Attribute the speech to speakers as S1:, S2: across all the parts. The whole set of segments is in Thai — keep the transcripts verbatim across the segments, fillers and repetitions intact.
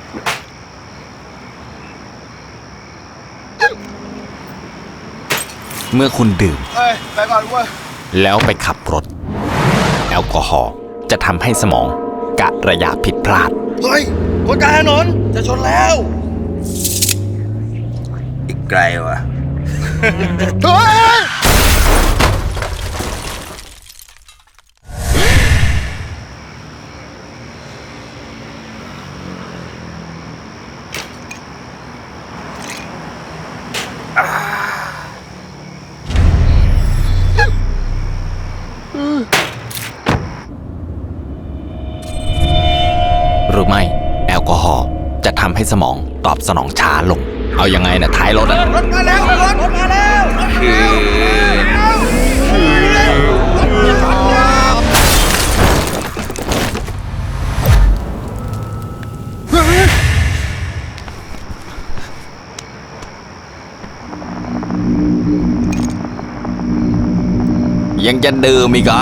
S1: เมื่อคุณดื่ม
S2: เฮ้ยไปก่อนเว้ย
S1: แล้วไปขับรถแอลกอฮอล์จะทำให้สมองกะระยะผิดพลาด
S2: เฮ้ยคนกลางถนนจะชนแล้ว
S3: อีกไกลวะ
S2: เฮ้ย
S1: หรือไม่แอลกอฮอล์จะทำให้สมองตอบสนองช้าลง เอายังไงนะท้ายรถอะ
S2: รถมาแล้วรถมาแล้ว
S1: ยังจะดื่มอีกเหรอ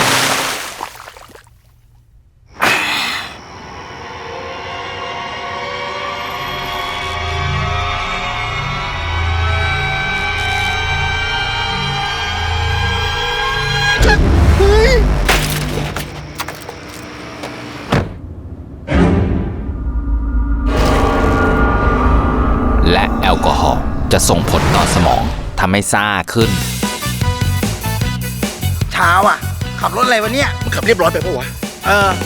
S1: และแอลกอฮอล์จะส่งผลต่อสมองทำให้ซ่าขึ้น
S3: เช้าอ่ะ ขับรถอะไรวะเนี่ย
S2: มันขับเรียบร้อยไปปะวะ
S3: เออ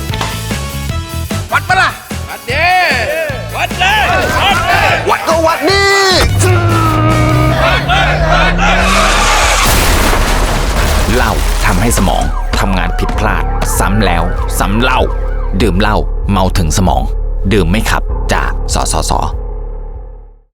S3: วัดปะล่ะ
S2: วัดเด้วัดเลยวัดเลย
S3: วัดก็วัดนี่
S1: เหล้าทำให้สมองทำงานผิดพลาด ซ้ำแล้วซ้ำเล่า ดื่มเหล้าเมาถึงสมอง ดื่มไม่ขับจากสสส